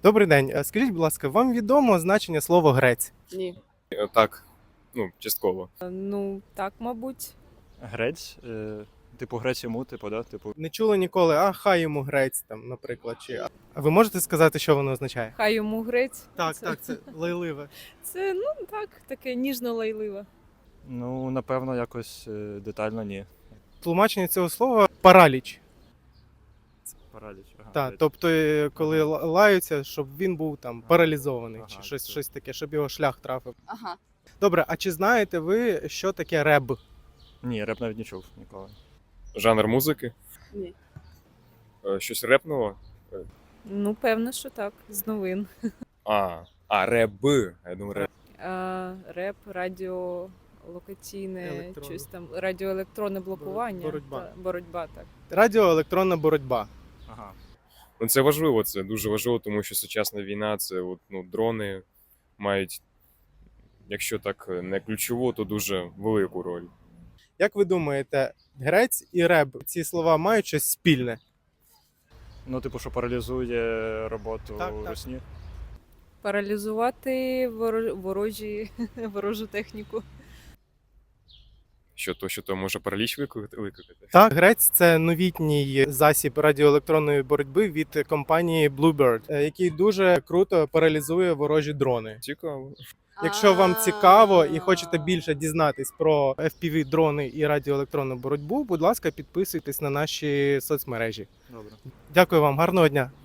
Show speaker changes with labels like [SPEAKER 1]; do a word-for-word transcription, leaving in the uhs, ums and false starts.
[SPEAKER 1] Добрий день. Е, Скажіть, будь ласка, вам відомо значення слова грець?
[SPEAKER 2] Ні.
[SPEAKER 3] Е, Так, ну, частково.
[SPEAKER 2] Ну, так, мабуть.
[SPEAKER 4] Грець, е, типу грець йому, типу, да? Типу,
[SPEAKER 1] Не чули ніколи, а хай йому грець, там, наприклад. Чи... А ви можете сказати, що воно означає?
[SPEAKER 2] Хай йому грець.
[SPEAKER 1] Так,
[SPEAKER 2] Це-
[SPEAKER 1] так, це лайливе.
[SPEAKER 2] Це, ну так, таке ніжно-лайливе.
[SPEAKER 4] ну, напевно, якось е, детально ні.
[SPEAKER 1] Тлумачення цього слова параліч.
[SPEAKER 4] Параліч. Ага,
[SPEAKER 1] Так,
[SPEAKER 4] грець.
[SPEAKER 1] тобто, е, коли ла- лаються, щоб він був там
[SPEAKER 4] Ага.
[SPEAKER 1] паралізований,
[SPEAKER 4] Ага,
[SPEAKER 1] чи щось,
[SPEAKER 4] це-
[SPEAKER 1] щось таке, щоб його шлях трафив.
[SPEAKER 5] Ага.
[SPEAKER 1] Добре, а чи знаєте ви, що таке реб?
[SPEAKER 4] Ні, реп навіть не чув ніколи.
[SPEAKER 3] Жанр музики?
[SPEAKER 5] Ні.
[SPEAKER 3] Е, Щось репного?
[SPEAKER 2] Ну, певно, що так, з новин.
[SPEAKER 3] А, а, реб. Я думаю, реп.
[SPEAKER 2] А, реп, радіолокаційне,
[SPEAKER 1] Електронне.
[SPEAKER 2] щось там, радіоелектронне блокування.
[SPEAKER 1] боротьба.
[SPEAKER 2] Та, боротьба, так.
[SPEAKER 1] Радіоелектронна боротьба.
[SPEAKER 4] Ага.
[SPEAKER 3] Ну, це важливо, це дуже важливо, тому що сучасна війна, це от, ну, дрони мають, якщо так не ключову, то дуже велику роль.
[SPEAKER 1] Як ви думаєте, грець і реб, ці слова мають щось спільне?
[SPEAKER 4] Ну, типу, що паралізує роботу
[SPEAKER 1] Так, так.
[SPEAKER 4] русні.
[SPEAKER 2] Паралізувати воро- ворожі, ворожу техніку.
[SPEAKER 3] Що то, що то може параліч викликати? викликати?
[SPEAKER 1] Так, грець це новітній засіб радіоелектронної боротьби від компанії Bluebird, е, який дуже круто паралізує ворожі дрони.
[SPEAKER 3] Цікаво.
[SPEAKER 1] Якщо вам цікаво і хочете більше дізнатись про еф пі ві-дрони і радіоелектронну боротьбу, будь ласка, підписуйтесь на наші соцмережі.
[SPEAKER 4] Добре.
[SPEAKER 1] Дякую вам, гарного дня!